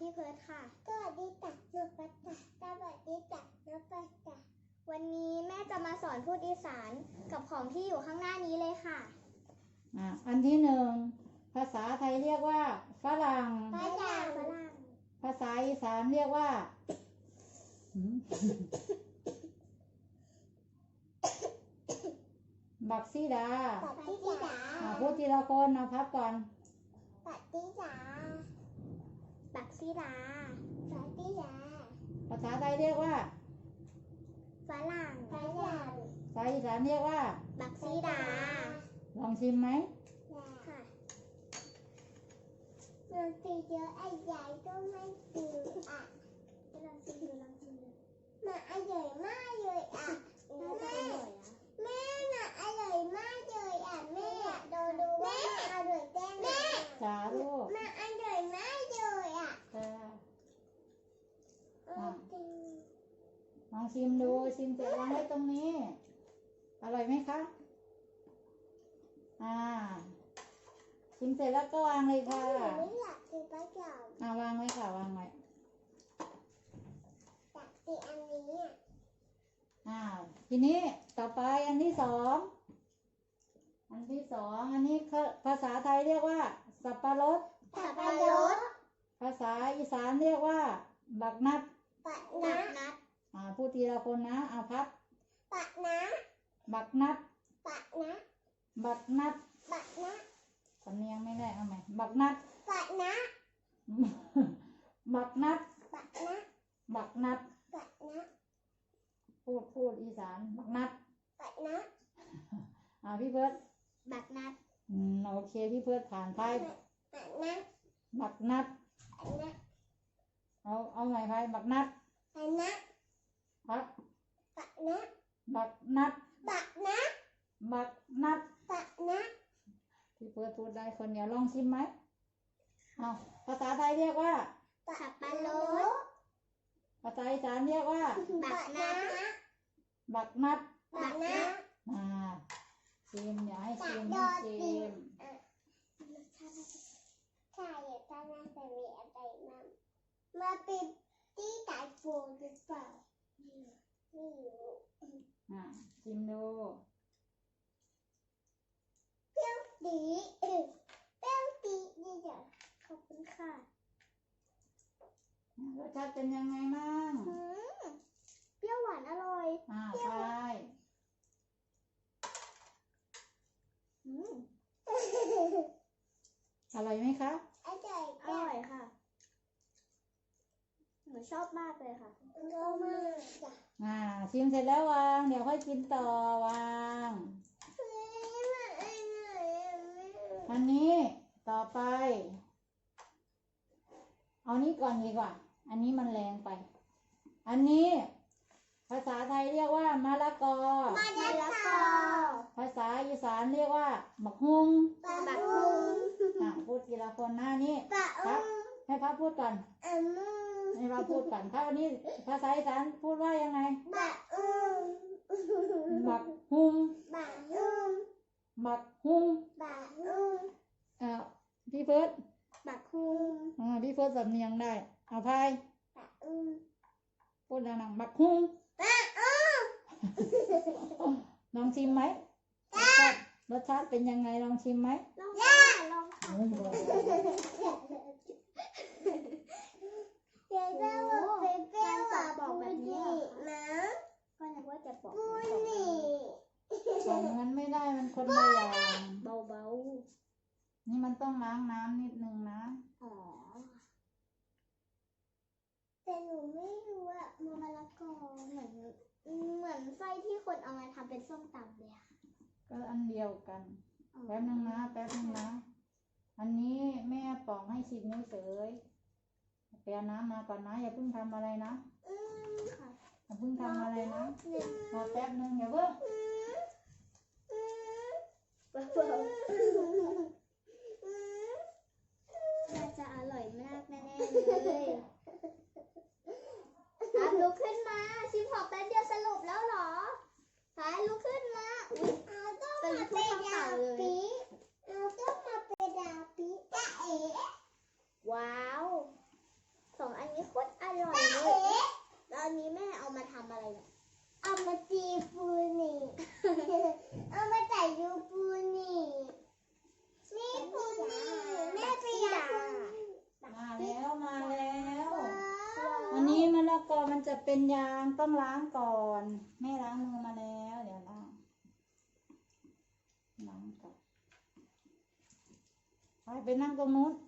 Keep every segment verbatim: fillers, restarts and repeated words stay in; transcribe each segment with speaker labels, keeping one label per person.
Speaker 1: พี่เพิร์ทค่ะสวัสดีจ้ะหนูปัตตาสวัสดีจ้ะหนูปัตตาวันนี้แม่จะมาสอนพูดอีสานกับของที่อยู่ข้างหน้านี้เลยค่ะ
Speaker 2: อ่ะอันที่หนึ่งภาษาไทยเรียกว่าฝรั่ง
Speaker 1: ฝรั่งฝรั่ง
Speaker 2: ภาษาอีสานเรียกว่าบักซีดา
Speaker 1: บักซีดา
Speaker 2: พูดทีละคนนะพับก่อน
Speaker 1: บักซีดาบักซีดาบักซีดา
Speaker 2: ภาษาไทยเรียกว่า
Speaker 1: ฝรั่งฝรั่ง
Speaker 2: ภาษาอีสานเรียกว่า
Speaker 1: บักซีดา
Speaker 2: ลองชิมไหม
Speaker 1: ค่ะลองชิมเยอะไอ้ใหญ่ก็ไม่ชิมอ่ะลองชิมดูลองชิมดูมันอร่อยมากเลยอ่ะแม่แม่น่ะอร่อยมากเลยอ่ะแม่ดูดูว่ามันอร่อยแค่ไหน
Speaker 2: จ้าลูก
Speaker 1: มันอร่อยมากเลยอ่ะ
Speaker 2: จ้าลองชิมดูชิมเสร็จวางไว้ตรงนี้อร่อยไหมคะอ่าชิมเสร็จแล้วก็วางเลยค่ะ
Speaker 1: ไม่อยากกินปลาเก๋า
Speaker 2: อ่าวางไว้ค่ะวางไว้
Speaker 1: อยากกินอันนี้
Speaker 2: อ่าทีนี้ต่อไปอันที่สองอันที่สองอันนี้ภาษาไทยเรียกว่าสับปะรด
Speaker 1: สับปะรด
Speaker 2: ภาษาอีสานเรียกว่าบักนัด
Speaker 1: บักนัด
Speaker 2: อ่าพูดทีละคนนะเอาพับ
Speaker 1: บักนัด
Speaker 2: บักนัด
Speaker 1: บักนัด
Speaker 2: บักนัด
Speaker 1: บักนัด
Speaker 2: สำเนียงไม่ได้เอาใหม่บักนัด
Speaker 1: บักนัด
Speaker 2: บักนัด
Speaker 1: บักนัด
Speaker 2: บักนัด
Speaker 1: บักนัด
Speaker 2: พูดพูดอีสานบักนัด
Speaker 1: บักนัด
Speaker 2: อ่าพี่เพิร์ด
Speaker 1: บักนัด
Speaker 2: อืมโอเคพี่เพิร์ดผ่านไป
Speaker 1: บักนัด
Speaker 2: บักนัด
Speaker 1: บักนัด
Speaker 2: เอาเอาใหม่ไปบักนัด
Speaker 1: บักนัด
Speaker 2: ครับ
Speaker 1: บักนัด
Speaker 2: บักนัด
Speaker 1: บักนัด
Speaker 2: บักนัด
Speaker 1: บักนัด
Speaker 2: พี่เพิร์ดพูดได้คนเดียวลองชิมไหมเอาภาษาไทยเรียกว่า
Speaker 1: สับปะรด
Speaker 2: ภาษาอีสานเรียกว่า
Speaker 1: บักนัด
Speaker 2: บักนัด
Speaker 1: บักนัด
Speaker 2: อ่าชิมอย่าให้ชิมให้ชิม
Speaker 1: ใช่ถ้าน่าจะมีอะไรมามาเป็นที่ไก่ฟูหรือเปล่าไม่รู้
Speaker 2: อ่าชิมดู
Speaker 1: เปรี้ยวดีเปรี้ยวดีนี่เดี๋ยวขอบคุณค่ะ
Speaker 2: รสชาติเป็นยังไงบ้าง
Speaker 1: เปรี้ยวหวานอร่อย
Speaker 2: อ่าใช่อร่อยไหมคะ
Speaker 1: อร่อยอร่อยค่ะหนูชอบมากเลยค่ะชอบมากจ้ะ
Speaker 2: อ่าชิมเสร็จแล้ววางเดี๋ยวค่อยกินต่อวางอันนี้ต่อไปเอานี้ก่อนดีกว่าอันนี้มันแรงไปอันนี้ภาษาไทยเรียกว่ามะละกอ
Speaker 1: มะละกอ
Speaker 2: ภาษาอีสานเรียกว่าบักฮุง
Speaker 1: บักฮุง
Speaker 2: อ่ะพูดทีละคนหน้านี้ครับให้พับพูดก่อนให้พับพูดก่อนถ้าวันนี้ภาษาอีสานพูดว่ายังไง
Speaker 1: บักฮุง
Speaker 2: บักฮุง
Speaker 1: บักฮุง
Speaker 2: บักฮุง
Speaker 1: บักฮุง
Speaker 2: อ่าพี่เฟิร์ส
Speaker 1: บักฮุง
Speaker 2: อ่าพี่เฟิร์สสำเนียงได้เอาพาย
Speaker 1: บักฮุง
Speaker 2: พูดดังๆบักฮุงลองชิมไหมรสชาติเป็นยังไงลองชิมไหม
Speaker 1: ลองค่ะลองค่ะเดี๋ยวจะบอกเป็นเปรี้ยวหวานบอกแบบนี้นะก็นึกว่าจะบอกปูนี่
Speaker 2: บอกงั้นไม่ได้มันคนละอย่าง
Speaker 1: เบา
Speaker 2: ๆนี่มันต้องล้างน้ำนิดนึงนะ
Speaker 1: อ๋อแต่หนูไม่รู้อะมะละกอเหมือนเหมือนไส้ที่คนเอามาทำเป็นส้มตำเลยอะ
Speaker 2: ก็อันเดียวกันแป๊บนึงนะแป๊บนึงนะอันนี้แม่ปอกให้ชิมเฉยๆไปเอาน้ำมาก่อนนะอย่าเพิ่งทำอะไรนะ
Speaker 1: อืมค่ะ
Speaker 2: อย่าเพิ่งทำอะไรนะรอแป๊บนึงอย่าเพิ่ง
Speaker 1: น่าจะอร่อยมากแน่ๆเลยอ่ะลุกขึ้นมาชิมหอมแป๊บเดียวสรุปแล้วเหรอหายลุกขึ้นมาเอาต้องมาเป็นดาวปีเอาต้องมาเป็นดาวปีจ้าเอ๋ว้าวสอง
Speaker 2: ละกอมันจะเป็นยางต้องล้างก่อนแม่ล้างมือมาแล้วเดี๋ยวล้างล้างก่อนไปไปนั่งตรงนู้น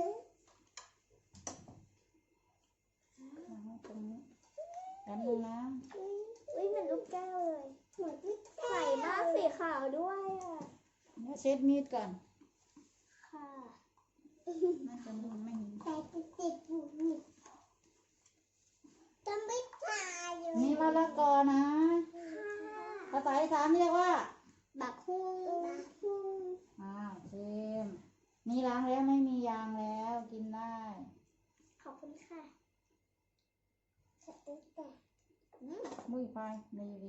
Speaker 2: นั่งตรงนี้แป๊บนึงนะ
Speaker 1: อุ้ยเหมือนลูกแก้วเลยเหมือนลูกแก้วใส่มากสีขาวด้วยอ่ะ
Speaker 2: เดี๋ยวเช็ดมีดก่อน
Speaker 1: ค่ะ
Speaker 2: น่าจะไม่ไม่เห็น
Speaker 1: แต่ติดติดบุบบุบต้องไม่ตายอยู่
Speaker 2: นี่มะละกอนะภาษาอีสานเรียกว่า
Speaker 1: บักฮุ้งบักฮุ้ง
Speaker 2: อ้าวเชมนี่ล้างแล้วไม่มียางแล้วกินได้
Speaker 1: ขอบคุณค่ะใส่ตั้งแต่อืม
Speaker 2: มุ้ยไปดีดี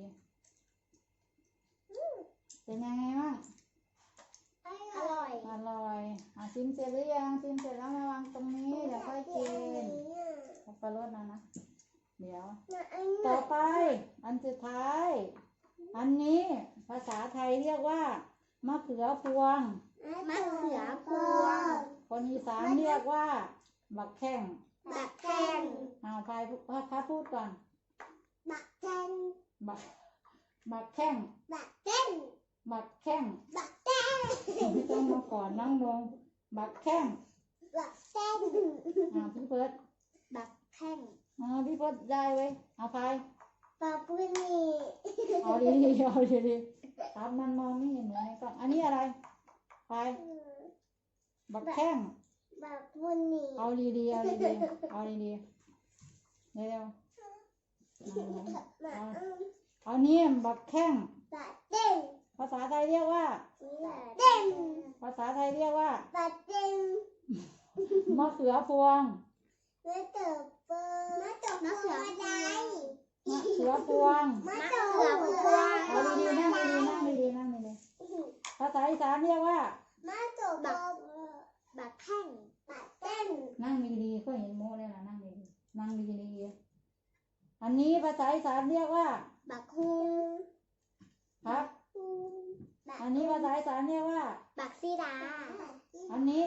Speaker 2: เป็นยังไงบ้าง
Speaker 1: อร่อย
Speaker 2: อร่อยอ่ะชิมเสร็จหรือยังชิมเสร็จแล้วมาวางตรงนี้เดี๋ยวค่อยกินสับปะรดนะนะเดี๋ยว ต่อไป อันสุดท้าย อันนี้ภาษาไทยเรียกว่ามะเขือพวง
Speaker 1: มะเขือพวง
Speaker 2: คนอีสานเรียกว่าบักแข้ง
Speaker 1: บักแข้ง
Speaker 2: เอาพายพาพูดก่อน
Speaker 1: บักแข้ง
Speaker 2: บักบักแข้ง
Speaker 1: บักแข้ง
Speaker 2: บักแข้ง
Speaker 1: บักแข้ง
Speaker 2: ไม่ต้องมาก่อนนั่งลงบักแข้ง
Speaker 1: บักแข้ง
Speaker 2: อ่าพี่เพิร์ด
Speaker 1: บักแข้ง
Speaker 2: อ่าพี่เพิร์ดได้เว้ยเอาพาย
Speaker 1: ปลาปุ้นี่
Speaker 2: เอาดีดีๆเอาดีดีๆครับมันมองไม่เห็นเหมือนในกล้องอันนี้อะไรพายบักแข้ง
Speaker 1: บักปุ้นี่
Speaker 2: เอาดีดีๆเอาดีดีๆเอาดีดีๆเร็วๆนั่งลง
Speaker 1: บัก
Speaker 2: เอานี้บักแข้ง
Speaker 1: บักเด้ง
Speaker 2: ภาษาไทยเรียกว่า
Speaker 1: บักเด้ง
Speaker 2: ภาษาไทยเรียกว่า
Speaker 1: บักเด้ง
Speaker 2: มะเขือพวง
Speaker 1: มะเขือพวงมะเขือพวงอะไร
Speaker 2: มะเขือพวง
Speaker 1: มะเขือพวง
Speaker 2: เอาดีๆนั่งดีๆนั่งดีๆนั่งดีๆภาษาอีสานเรียกว่า
Speaker 1: มะเขือพวงบักแข้งบักเด้ง
Speaker 2: นั่งดีๆก็เห็นโมเลยนะนั่งดีๆนั่งดีๆอันนี้ภาษาอีสานเรียกว่า
Speaker 1: บักฮุง
Speaker 2: ครับ
Speaker 1: บัก
Speaker 2: อันนี้ภาษาอีสานเรียกว่า
Speaker 1: บักซีดา
Speaker 2: อันนี้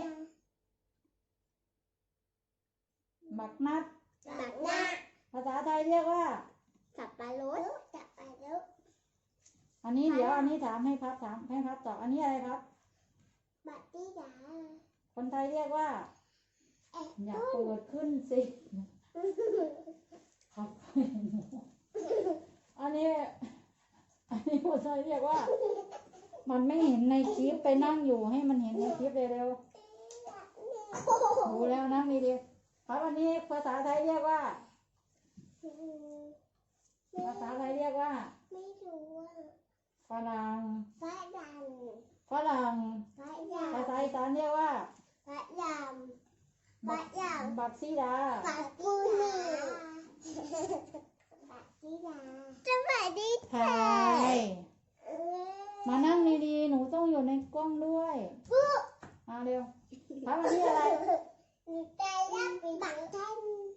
Speaker 2: บักนัด
Speaker 1: บักนา
Speaker 2: ภาษาไทยเรียกว่า
Speaker 1: สับปะรดสับปะรด
Speaker 2: อันนี้เดี๋ยวอันนี้ถามให้พับถามให้พับตอบอันนี้อะไรครับ
Speaker 1: บักซีดา
Speaker 2: คนไทยเรียกว่า
Speaker 1: เอ๊ะ
Speaker 2: อย่าเปิดขึ้นสิครับอันนี้ อันนี้คนไทยเรียกว่า มันไม่เห็นในคลิปไปนั่งอยู่ให้มันเห็นในคลิปเร็วๆดูแล้วนั่งดีๆครับอันนี้ภาษาไทยเรียกว่า ภาษาไทยเรียกว่า
Speaker 1: ไม่รู้ว่า
Speaker 2: ฝรั่ง
Speaker 1: พระด
Speaker 2: ฝรั่ง
Speaker 1: ำพระยา
Speaker 2: ภาษาอีสานเรียกว่า
Speaker 1: พระยำพ
Speaker 2: บั
Speaker 1: ระ
Speaker 2: ก
Speaker 1: ยา
Speaker 2: บักซีดา
Speaker 1: บักปูนี่บักซีดาสวัสดี
Speaker 2: ถ่ายมานั่งดีๆหนูต้องอยู่ในกล้องด้วยมาเร็วครับอันนี้อะไร
Speaker 1: หนูใจรักบักแท่ง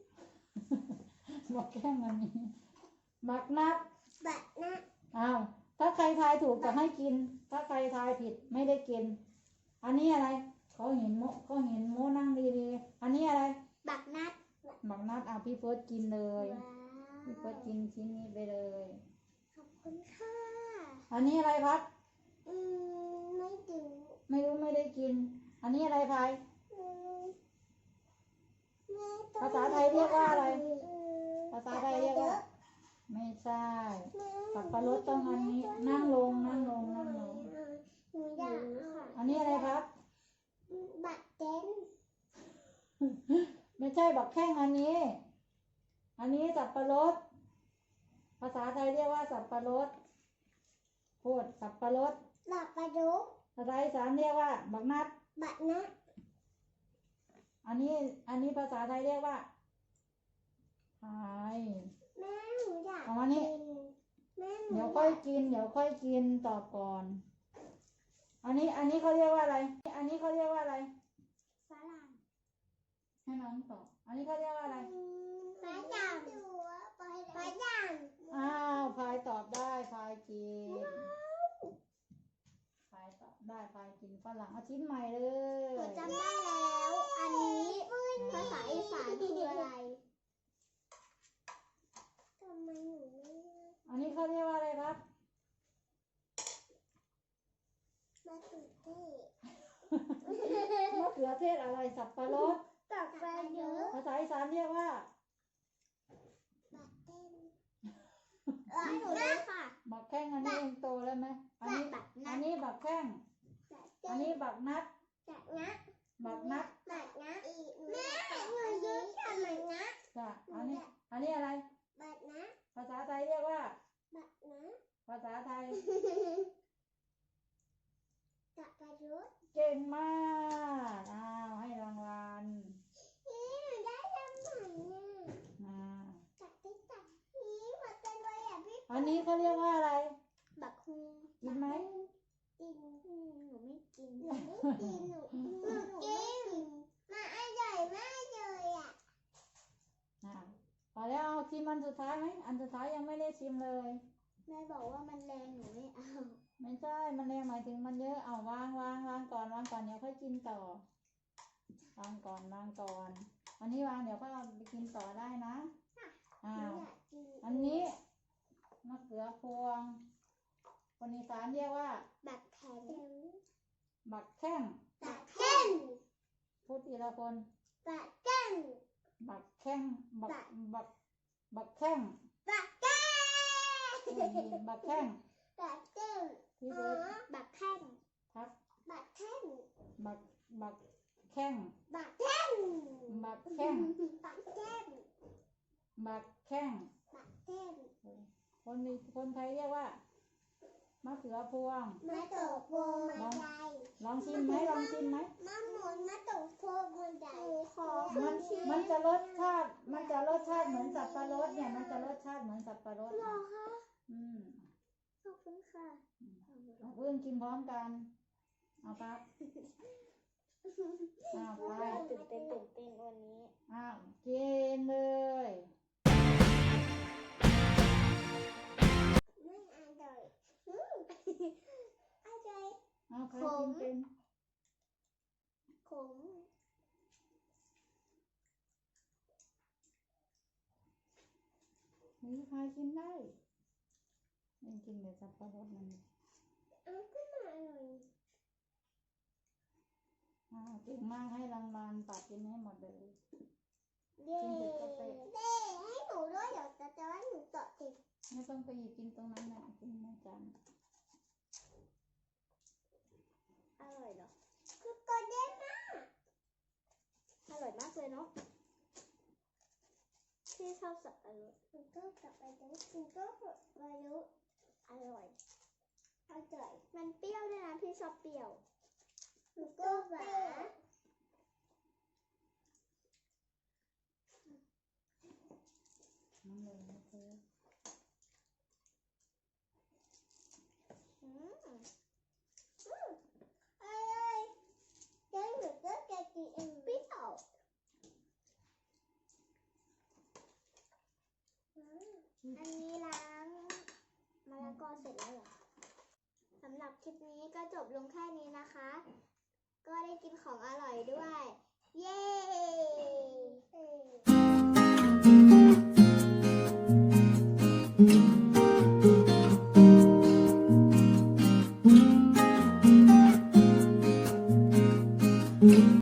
Speaker 2: บักแข้งอันนี้บักนัด
Speaker 1: บักนะ
Speaker 2: อ้าวถ้าใครทายถูกจะให้กิน ถ้าใครทายผิดไม่ได้กิน อันนี้อะไรเขาเห็นโมเขาเห็นโมนั่งดีๆอันนี้อะไร
Speaker 1: บักนัด
Speaker 2: บักนัดอ่ะพี่เฟิร์สกินเลย
Speaker 1: ว้าว
Speaker 2: พี่เฟิร์สกินชิ้นนี้ไปเลย
Speaker 1: ขอบคุณค่ะ
Speaker 2: อันนี้อะไรพัด
Speaker 1: อืมไม่ดู
Speaker 2: ไม่รู้ไม่ได้กิน อันนี้อะไรพาย
Speaker 1: อืมแม่ต้อง
Speaker 2: ภาษาไทยเรียกว่าอะไร
Speaker 1: อืม
Speaker 2: ภาษาไทยเรียกว่า ไม่ใช่สับปะรดต้องอันนี้ นั่งลงนั่งลงนั่งลง
Speaker 1: หนูอยากค่ะ
Speaker 2: อันนี้อะไรครับ
Speaker 1: บักเต้น
Speaker 2: ไม่ใช่บักแข้งอันนี้ อันนี้สับปะรด ภาษาไทยเรียกว่าสับปะรดพูดสับปะรด
Speaker 1: บักปลาดุก
Speaker 2: ภาษาอีสานเรียกว่า บักนัด
Speaker 1: บักนะ
Speaker 2: อันนี้ อันนี้ภาษาไทยเรียกว่าพาย
Speaker 1: แม่หนูอยาก
Speaker 2: เอามานี่
Speaker 1: กินแม่หนู
Speaker 2: เดี๋ยว
Speaker 1: อ
Speaker 2: ค่อย
Speaker 1: ยาก
Speaker 2: กิน เดี๋ยวค่อยกินตอบก่อน อันนี้ อันนี้เขาเรียกว่าอะไร อันนี้เขาเรียกว่าอะไร
Speaker 1: ฝรั่ง
Speaker 2: ให้น้องตอบ อันนี้เขาเรียกว่าอะไร
Speaker 1: ปลาดำปลาดำ
Speaker 2: อ้าวพายตอบได้พายกินพายตอบได้พายกินฝรั่งเอาชิ้นใหม่เล
Speaker 1: หนู
Speaker 2: ย
Speaker 1: จำได้แล้ว อันนี้ภาษาอีสานคืออะไร
Speaker 2: ขือเทศอะไรสับปะรด
Speaker 1: ตักไปเยอะ
Speaker 2: ภาษาอีสานเรียกว่า
Speaker 1: บักเต้นให้หนูด้วยค่ะ
Speaker 2: บักแข้งอันนี้เองโตแล้วไหมอันนี้
Speaker 1: บักนัด
Speaker 2: อันนี้บักแข้ง
Speaker 1: บักเต้
Speaker 2: อันนี้บักนัด
Speaker 1: บักนะ
Speaker 2: บักนัด
Speaker 1: บักนะแม่หนูยืดกันบักนะ
Speaker 2: จ้ะอันนี้ อันนี้อะไร
Speaker 1: บักนะ
Speaker 2: ภาษาไทยเรียกว่า
Speaker 1: บักนะ
Speaker 2: ภาษาไทย
Speaker 1: ตักไปเยอะ
Speaker 2: เก่งมากอ้าวให้รางวัล
Speaker 1: นี่หนูได้ทำใหม่เนี่ย
Speaker 2: อ่า
Speaker 1: ตักติ๊กตักนี่หัวใจเลยอ่ะพี่
Speaker 2: อันนี้เขาเรียกว่าอะไร
Speaker 1: บักฮู
Speaker 2: กินไหม
Speaker 1: กินหนูไม่กินหนูไม่กินหนูหนูกินมาอร่อยมากเลยอ่ะ
Speaker 2: อ่าพอแล้วเอาชิมอันสุดท้ายไหมอันสุดท้ายยังไม่ได้ชิมเลย
Speaker 1: แม่บอกว่ามันแรงหนูไม่เอา
Speaker 2: ไม่ใช่ มันแรงหมายถึงมันเยอะเอาวางวางวางก่อนวางก่อนเดี๋ยวค่อยกินต่อวางก่อนวางก่อนอันนี้วางเดี๋ยวก็เอาไปกินต่อได้นะอ่า
Speaker 1: หนูอยากกิน
Speaker 2: อันนี้มะเขือพวงคนอีสานเรียกว่า
Speaker 1: บักแข็ง
Speaker 2: บักแข้ง
Speaker 1: บักแข็ง
Speaker 2: พูดทีละคน
Speaker 1: บักแข็ง
Speaker 2: บักแข้งบัก
Speaker 1: บัก
Speaker 2: บักบักแข้ง
Speaker 1: บักแข็ง
Speaker 2: พูดดีบักแข้ง
Speaker 1: บักแข็ง
Speaker 2: พี่
Speaker 1: อ๋
Speaker 2: เบิร์ด
Speaker 1: อบักแข็ง
Speaker 2: ทัก
Speaker 1: บักแข็ง
Speaker 2: บักบักแข้ง
Speaker 1: บักแข็ง
Speaker 2: บักแข้ง
Speaker 1: บักแข็ง
Speaker 2: บักแข้ง
Speaker 1: บักแข็ง
Speaker 2: คนนี้คนไทยเรียกว่ามะเขือพวง
Speaker 1: มาตกโพมาใจ
Speaker 2: ลองชิมไหมลองชิมไหม
Speaker 1: มาหมุนมาตกโพมาใจขอ
Speaker 2: มันมันจะรสชาติ มันจะรสชาติเหมือนสับปะรดเนี่ย มันจะรสชาติเหมือนสับปะรด
Speaker 1: หรอคะ
Speaker 2: อืม
Speaker 1: ขอบคุณค่ะ
Speaker 2: เอาเพื่อนกินพร้อมกัน เอาครับเอาไป
Speaker 1: ตื่นเต้นตื่นเต้นวันนี้
Speaker 2: อ้าวกินเลย
Speaker 1: ไม่อร่อยอืมอร่อย
Speaker 2: เอาใครกินเป็น
Speaker 1: ขม
Speaker 2: นี่ใครกินได้ยังกินแต่สับปะรดมัน
Speaker 1: เอาขึ้นมาอร่อย
Speaker 2: อ้าวเก่งมากให้รางวัลตัดกินให้หมดเลย
Speaker 1: เย้เย้ให้หนูด้วยเดี๋ยวจะจะให้หนูต่อติด
Speaker 2: ไม่ต้องไปหยิบกินตรงนั้นนะกินในจาน
Speaker 1: อร่อยเหรอคือตัวเด้มากอร่อยมากเลยเนาะพี่ชอบสับปะรดหนูก็สับปะรดหนูก็สับปะรดอร่อยอร่อยมันเปรี้ยวด้วยนะพี่ชอบเปรี้ยวหนูก็หวาน
Speaker 2: น้ำเลยนะเธอ
Speaker 1: อืมอืมอร่อยงั้นหนูก็จะกินเองเปรี้ยวอืมอันนี้ล้างมะละกอเสร็จแล้วเหรอสำหรับคลิปนี้ก็จบลงแค่นี้นะคะ ก็ได้กินของอร่อยด้วย